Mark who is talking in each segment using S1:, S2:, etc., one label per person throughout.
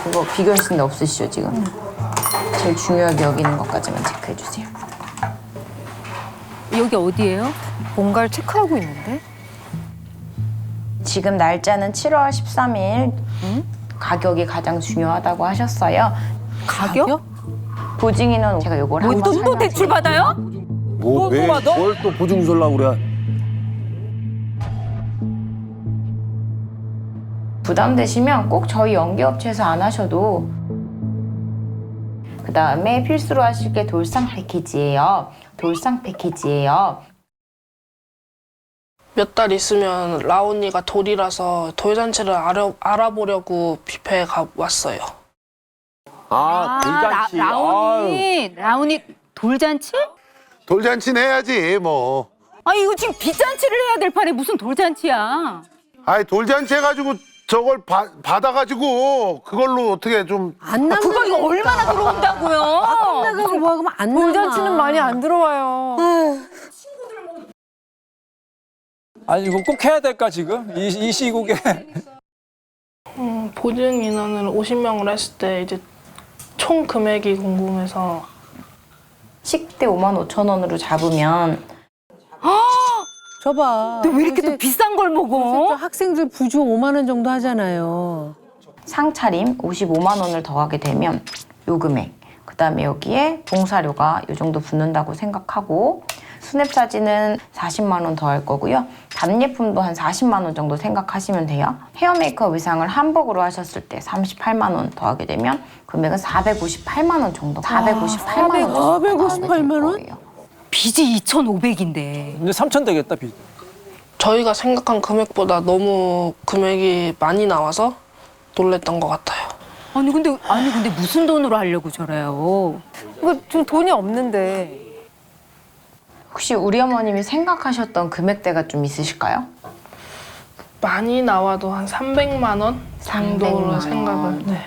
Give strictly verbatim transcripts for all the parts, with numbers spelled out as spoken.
S1: 그거 비교하시는 데 없으시죠, 지금? 응. 제일 중요하게 여기는 것까지만 체크해 주세요.
S2: 여기 어디예요?
S3: 뭔가를 체크하고 있는데?
S1: 지금 날짜는 칠월 십삼일. 응? 가격이 가장 중요하다고 하셨어요.
S2: 가격?
S1: 보증인은 제가 요걸
S2: 뭐
S1: 한번
S2: 또, 또 대출 받아요?
S4: 뭐, 왜, 뭘 또 보증 주려고 그래?
S1: 부담되시면 꼭 저희 연계업체에서 안 하셔도. 그 다음에 필수로 하실 게 돌상 패키지예요. 돌상 패키지예요.
S5: 몇 달 있으면 라온이가 돌이라서 돌잔치를 알아, 알아보려고 뷔페에 가 왔어요.
S4: 아, 돌잔치.
S2: 라, 라온이, 라온이 돌잔치?
S6: 돌잔치는 해야지 뭐.
S2: 아 이거 지금 빚잔치를 해야 될 판에 무슨 돌잔치야?
S6: 아이 돌잔치 해가지고 저걸 바, 받아가지고 그걸로 어떻게 좀.
S3: 안
S2: 아,
S3: 남는
S2: 그거 이거 얼마나 들어온다고요?
S3: 나가고 뭐 하면 안 남아. 돌잔치는 많이 안 들어와요.
S7: 아니 이거 꼭 해야 될까 지금? 이, 이 시국에.
S5: 음, 보증 인원을 오십 명을 했을 때 이제 총 금액이 궁금해서.
S1: 식대 오만 오천 원으로 잡으면
S3: 저봐.
S2: 너 왜 이렇게 또 비싼 걸 먹어?
S3: 학생들 부주 오만 원 정도 하잖아요.
S1: 상차림 오십오만 원을 더하게 되면 요 금액, 그 다음에 여기에 봉사료가 요 정도 붙는다고 생각하고, 스냅 사진은 사십만 원 더할 거고요. 답례품도 한 사십만 원 정도 생각하시면 돼요. 헤어 메이크업 의상을 한복으로 하셨을 때 삼십팔만 원 더하게 되면 금액은 사백오십팔만 원 정도. 사백오십팔만 원 정도.
S3: 사백오십팔만 원?
S1: 거예요.
S2: 빚이 이천오백인데.
S7: 이제 삼천 되겠다 빚.
S5: 저희가 생각한 금액보다 너무 금액이 많이 나와서 놀랬던 것 같아요.
S2: 아니 근데 아니 근데 무슨 돈으로 하려고 저래요?
S3: 이거 지금 돈이 없는데.
S1: 혹시 우리 어머님이 생각하셨던 금액대가 좀 있으실까요?
S5: 많이 나와도 한 삼백만 원 정도로
S1: 삼백만
S5: 생각을.
S1: 원.
S5: 네.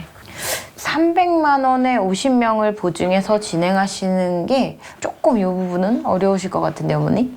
S1: 삼백만 원에 오십 명을 보증해서 진행하시는 게 조금 이 부분은 어려우실 것 같은데, 어머니?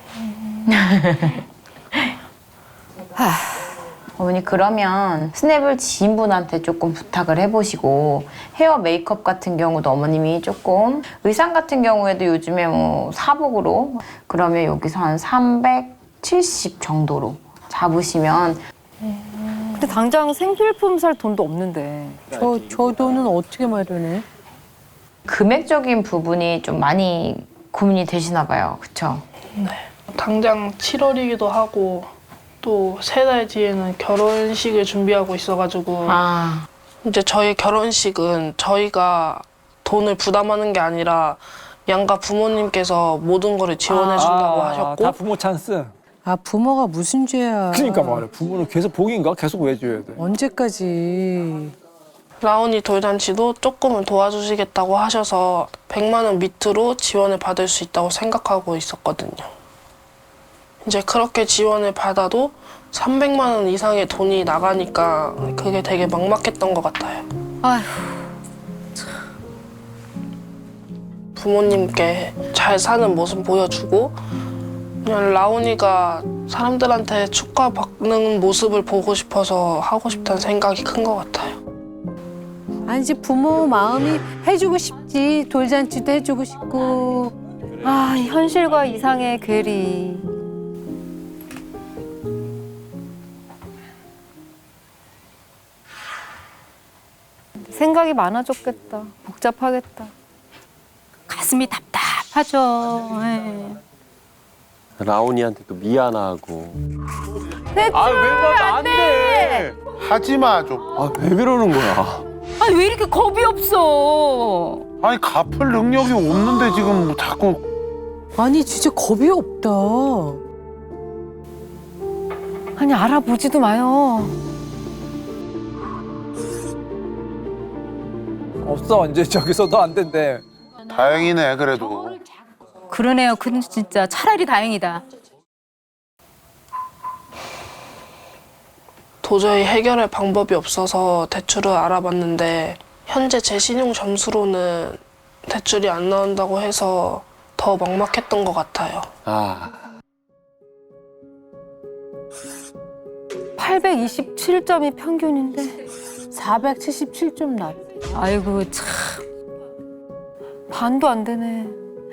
S1: 어머니, 그러면 스냅을 지인분한테 조금 부탁을 해보시고, 헤어 메이크업 같은 경우도 어머님이 조금, 의상 같은 경우에도 요즘에 뭐 사복으로, 그러면 여기서 한 삼백칠십 정도로 잡으시면.
S3: 근데 당장 생필품 살 돈도 없는데. 저, 저 돈은 어떻게 마련해?
S1: 금액적인 부분이 좀 많이 고민이 되시나 봐요. 그쵸?
S5: 네. 당장 칠월이기도 하고 또 세 달 뒤에는 결혼식을 준비하고 있어가지고
S1: 아,
S5: 이제 저희 결혼식은 저희가 돈을 부담하는 게 아니라 양가 부모님께서 모든 거를 지원해준다고
S7: 아,
S5: 하셨고.
S7: 다 부모 찬스.
S3: 아, 부모가 무슨 죄야.
S7: 그러니까 말이야. 부모는 계속 복인가? 계속 왜 줘야 돼?
S3: 언제까지.
S5: 라온이 돌잔치도 조금은 도와주시겠다고 하셔서 백만 원 밑으로 지원을 받을 수 있다고 생각하고 있었거든요. 이제 그렇게 지원을 받아도 삼백만 원 이상의 돈이 나가니까 그게 되게 막막했던 것 같아요.
S2: 아휴.
S5: 부모님께 잘 사는 모습 보여주고 그냥 라온이가 사람들한테 축하받는 모습을 보고 싶어서 하고 싶다는 생각이 큰 것 같아요.
S3: 아니지, 부모 마음이 해주고 싶지. 돌잔치도 해주고 싶고.
S8: 아, 현실과 이상의 괴리. 생각이 많아졌겠다. 복잡하겠다.
S2: 가슴이 답답하죠. 예.
S4: 라온이한테 또 미안하고.
S6: 아, 왜 그러면 안 돼? 하지 마 좀.
S4: 아, 왜 그러는 거야?
S2: 아니 왜 이렇게 겁이 없어?
S6: 아니 갚을 능력이 없는데 지금 뭐 자꾸.
S3: 아니, 진짜 겁이 없다.
S8: 아니, 알아보지도 마요.
S7: 없어 이제 저기서도 안 된대.
S6: 다행이네 그래도.
S2: 그러네요. 근데 진짜 차라리 다행이다.
S5: 도저히 해결할 방법이 없어서 대출을 알아봤는데 현재 제 신용 점수로는 대출이 안 나온다고 해서 더 막막했던 것 같아요.
S4: 아,
S8: 팔백이십칠 점이 평균인데
S3: 사백칠십칠 점 났.
S2: 아이고 참.
S8: 반도 안 되네.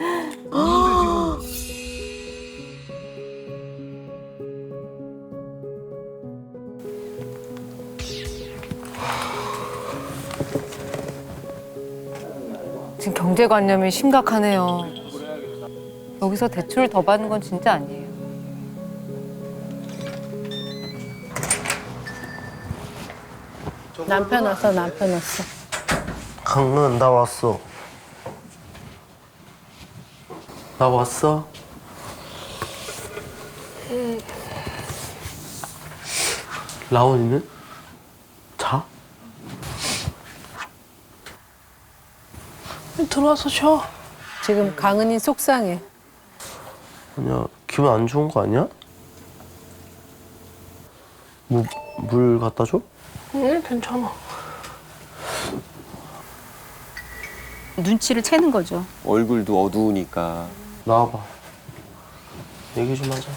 S8: 지금 경제관념이 심각하네요. 여기서 대출을 더 받는 건 진짜 아니에요.
S3: 남편 왔어, 남편 왔어.
S9: 강은 나 왔어. 나 왔어? 라온이는? 자?
S5: 들어와서 쉬어.
S3: 지금 강은이 속상해.
S9: 아니야, 기분 안 좋은 거 아니야? 뭐, 물 갖다 줘?
S5: 응, 괜찮아.
S2: 눈치를 채는 거죠.
S4: 얼굴도 어두우니까.
S9: 나와봐. 얘기 좀 하자.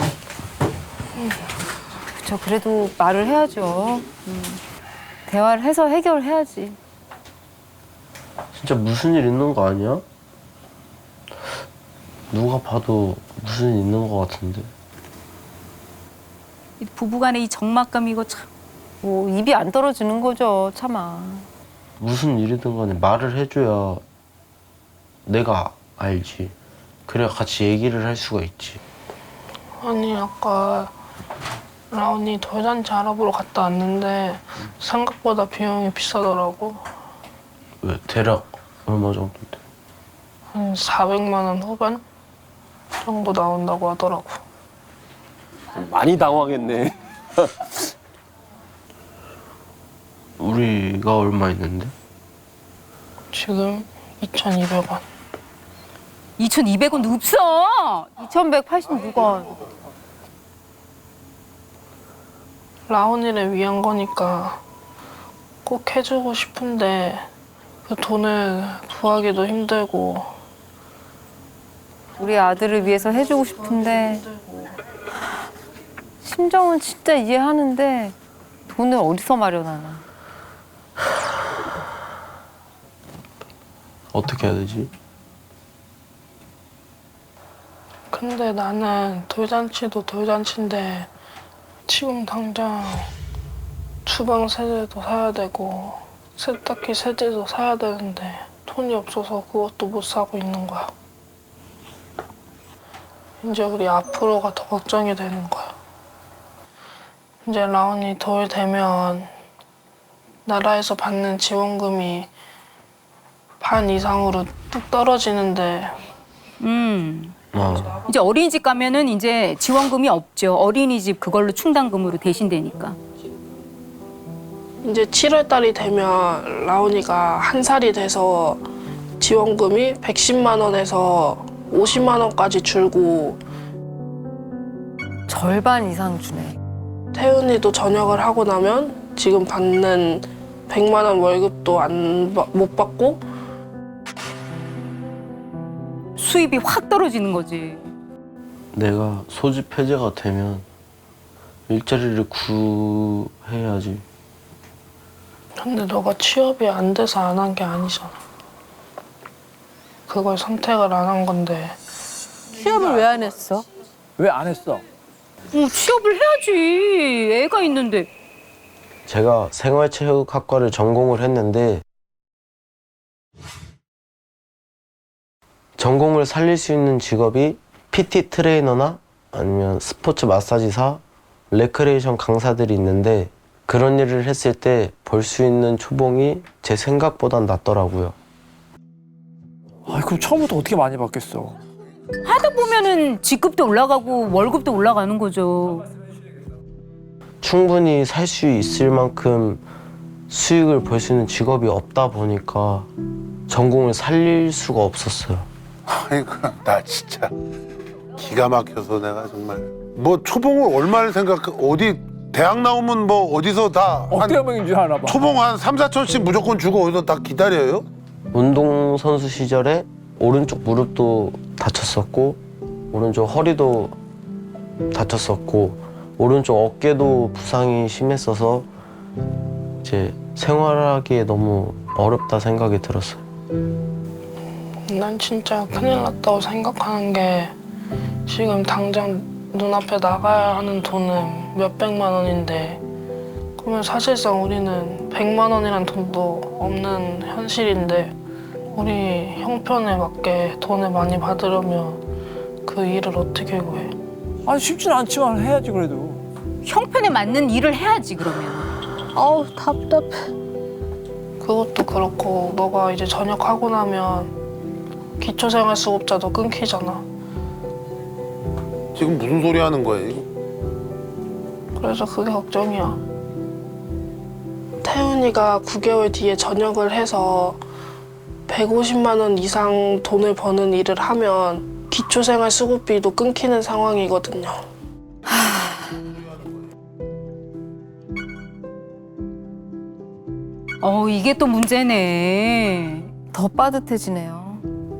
S8: 그쵸, 그래도 말을 해야죠. 음. 대화를 해서 해결해야지.
S9: 진짜 무슨 일 있는 거 아니야? 누가 봐도 무슨 일 있는 거 같은데.
S2: 이 부부간의 이 적막감 이거 참.
S8: 뭐 입이 안 떨어지는 거죠, 차마.
S9: 무슨 일이든 간에 말을 해줘야 내가 알지. 그래야 같이 얘기를 할 수가 있지.
S5: 아니, 아까 라온이 돌잔치 알아보러 갔다 왔는데 생각보다 비용이 비싸더라고.
S9: 왜, 대략 얼마 정도인데?
S5: 한 사백만 원 후반 정도 나온다고 하더라고.
S4: 많이 당황했네.
S9: 우리가 얼마 있는데?
S5: 지금 이천이백 원.
S2: 이천이백 원 없어.
S8: 이천백팔십육 원.
S5: 라온이를 위한 거니까 꼭 해주고 싶은데 그 돈을 구하기도 힘들고.
S8: 우리 아들을 위해서 해주고 싶은데 심정은 진짜 이해하는데 돈을 어디서 마련하나.
S9: 어떻게 해야 되지?
S5: 근데 나는 돌잔치도 돌잔치인데 지금 당장 주방 세제도 사야 되고 세탁기 세제도 사야 되는데 돈이 없어서 그것도 못 사고 있는 거야. 이제 우리 앞으로가 더 걱정이 되는 거야. 이제 라온이 돌 되면 나라에서 받는 지원금이 반 이상으로 뚝 떨어지는데
S2: 음.
S9: 어.
S2: 이제 어린이집 가면은 이제 지원금이 없죠. 어린이집 그걸로 충당금으로 대신되니까.
S5: 이제 칠월 달이 되면 라온이가 한 살이 돼서 지원금이 백십만 원에서 오십만 원까지 줄고
S8: 절반 이상 주네.
S5: 태은이도 전역을 하고 나면 지금 받는 백만 원 월급도 안, 못 받고
S2: 수입이 확 떨어지는 거지.
S9: 내가 소집 해제가 되면 일자리를 구해야지.
S5: 근데 너가 취업이 안 돼서 안 한 게 아니잖아. 그걸 선택을 안 한 건데
S3: 취업을 왜 안 했어?
S7: 왜 안 했어?
S2: 어, 취업을 해야지. 애가 있는데.
S9: 제가 생활체육학과를 전공을 했는데 전공을 살릴 수 있는 직업이 피티 트레이너나 아니면 스포츠 마사지사, 레크레이션 강사들이 있는데 그런 일을 했을 때 벌 수 있는 초봉이 제 생각보단 낮더라고요.
S7: 아, 그럼 처음부터 어떻게 많이 받겠어?
S2: 하다 보면은 직급도 올라가고 월급도 올라가는 거죠.
S9: 충분히 살 수 있을 만큼 수익을 벌 수 있는 직업이 없다 보니까 전공을 살릴 수가 없었어요.
S6: 그러니까 나 진짜 기가 막혀서 내가 정말 뭐 초봉을 얼마를 생각 어디 대학 나오면 뭐 어디서 다 한
S7: 억대 명인 줄 아나 봐.
S6: 초봉 한 삼, 사천씩 무조건 주고 어디서 다 기다려요?
S9: 운동선수 시절에 오른쪽 무릎도 다쳤었고 오른쪽 허리도 다쳤었고 오른쪽 어깨도 부상이 심했어서 이제 생활하기에 너무 어렵다 생각이 들었어요.
S5: 난 진짜 큰일 났다고 생각하는 게 지금 당장 눈앞에 나가야 하는 돈은 몇백만 원인데 그러면 사실상 우리는 백만 원이란 돈도 없는 현실인데 우리 형편에 맞게 돈을 많이 받으려면 그 일을 어떻게 구해?
S7: 아니 쉽진 않지만 해야지 그래도.
S2: 형편에 맞는 일을 해야지 그러면.
S3: 아우 답답해.
S5: 그것도 그렇고 너가 이제 전역하고 나면 기초생활수급자도 끊기잖아.
S6: 지금 무슨 소리 하는 거예요?
S5: 그래서 그게 걱정이야. 태훈이가 구 개월 뒤에 전역을 해서 백오십만 원 이상 돈을 버는 일을 하면 기초생활수급비도 끊기는 상황이거든요.
S2: 어 이게 또 문제네.
S8: 더 빠듯해지네요.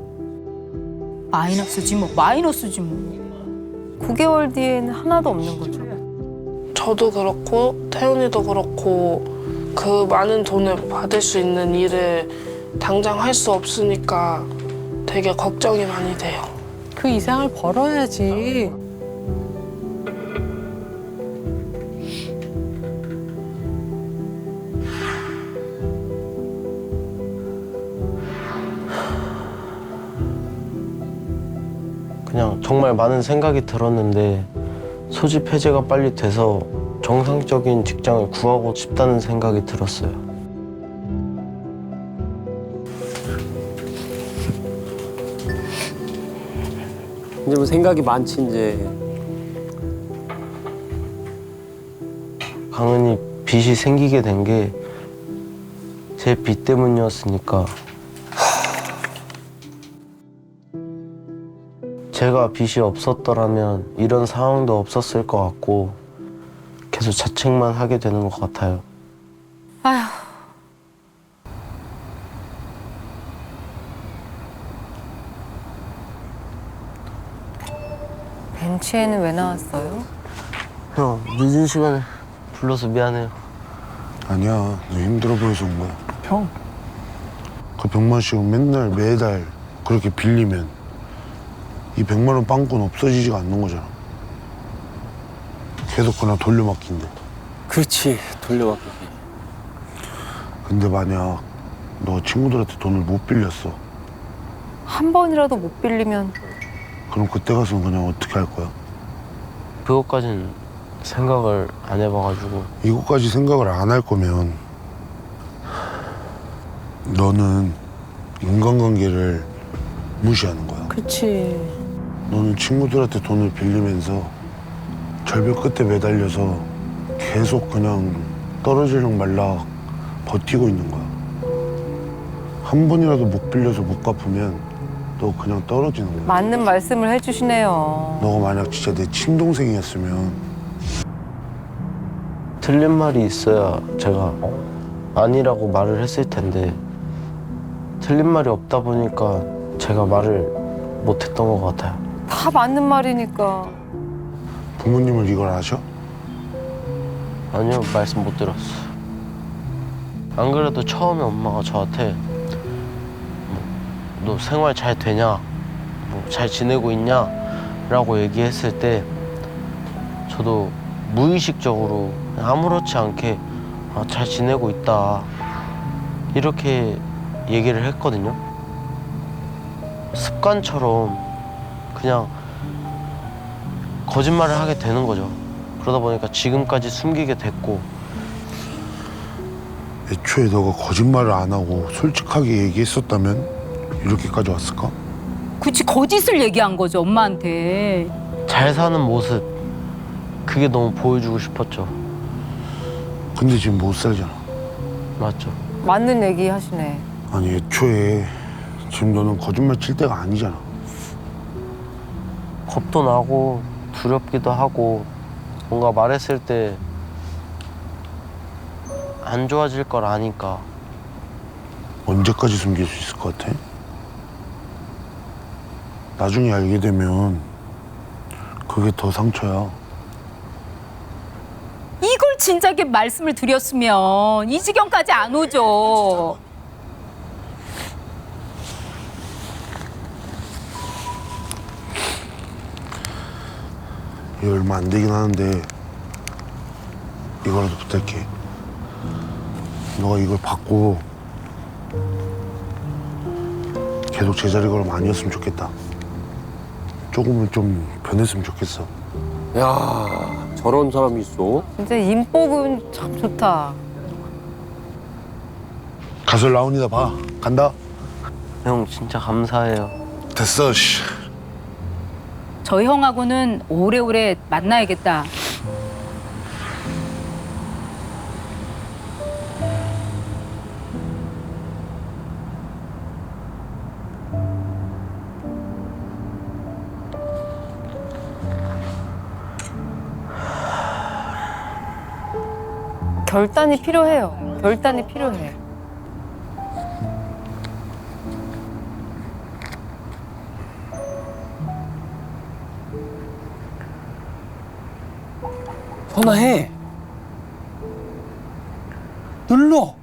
S2: 마이너스지 뭐 마이너스지 뭐.
S8: 구 개월 뒤에는 하나도 없는 거죠.
S5: 저도 그렇고 태훈이도 그렇고 그 많은 돈을 받을 수 있는 일을 당장 할 수 없으니까 되게 걱정이 많이 돼요.
S3: 그 이상을 벌어야지.
S9: 그냥 정말 많은 생각이 들었는데 소집 해제가 빨리 돼서 정상적인 직장을 구하고 싶다는 생각이 들었어요.
S4: 이제 뭐 생각이 많지 이제.
S9: 강은이 빚이 생기게 된 게 제 빚 때문이었으니까 제가 빚이 없었더라면 이런 상황도 없었을 것 같고 계속 자책만 하게 되는 것 같아요.
S2: 아휴.
S8: 벤치에는 왜 나왔어요?
S9: 형, 늦은 시간에 불러서 미안해요.
S6: 아니야, 너 힘들어 보여서 온 거야.
S7: 형.
S6: 그 백만 씩은 맨날 매달 그렇게 빌리면 이 백만 원 빵꾸는 없어지지가 않는 거잖아. 계속 그냥 돌려막긴데.
S4: 그렇지 돌려받기.
S6: 근데 만약 너 친구들한테 돈을 못 빌렸어.
S8: 한 번이라도 못 빌리면
S6: 그럼 그때 가서는 그냥 어떻게 할 거야?
S9: 그것까진 생각을 안 해봐가지고.
S6: 이것까지 생각을 안 할 거면 너는 인간관계를 무시하는 거야.
S3: 그치.
S6: 너는 친구들한테 돈을 빌리면서 절벽 끝에 매달려서 계속 그냥 떨어지려고 말라 버티고 있는 거야. 한 번이라도 못 빌려서 못 갚으면 너 그냥 떨어지는 거야.
S8: 맞는 말씀을 해주시네요.
S6: 너가 만약 진짜 내 친동생이었으면
S9: 틀린 말이 있어야 제가 아니라고 말을 했을 텐데 틀린 말이 없다 보니까 제가 말을 못했던 것 같아요.
S8: 다 맞는 말이니까.
S6: 부모님을 이걸 아셔?
S9: 아니요, 말씀 못 들었어요. 안 그래도 처음에 엄마가 저한테 뭐, 너 생활 잘 되냐? 뭐, 잘 지내고 있냐? 라고 얘기했을 때 저도 무의식적으로 아무렇지 않게 아, 잘 지내고 있다 이렇게 얘기를 했거든요. 습관처럼 그냥 거짓말을 하게 되는 거죠. 그러다 보니까 지금까지 숨기게 됐고.
S6: 애초에 너가 거짓말을 안 하고 솔직하게 얘기했었다면 이렇게까지 왔을까?
S2: 그치 거짓을 얘기한 거죠 엄마한테.
S9: 잘 사는 모습 그게 너무 보여주고 싶었죠.
S6: 근데 지금 못 살잖아.
S9: 맞죠.
S8: 맞는 얘기 하시네.
S6: 아니 애초에 지금 너는 거짓말 칠 때가 아니잖아.
S9: 겁도 나고 두렵기도 하고 뭔가 말했을 때 안 좋아질 걸 아니까.
S6: 언제까지 숨길 수 있을 것 같아? 나중에 알게 되면 그게 더 상처야.
S2: 이걸 진작에 말씀을 드렸으면 이 지경까지 안 오죠.
S6: 이거 얼마 안 되긴 하는데 이거라도 부탁해. 너가 이걸 받고 계속 제자리 걸음 아니었으면 좋겠다. 조금은 좀 변했으면 좋겠어.
S4: 야 저런 사람이 있어?
S8: 진짜 인복은 참 좋다.
S6: 가서 라온이나 봐. 간다.
S9: 형 진짜 감사해요.
S6: 됐어. 씨.
S2: 저 형하고는 오래오래 만나야겠다.
S8: 결단이 필요해요. 결단이 필요해.
S7: 전화해. 눌러.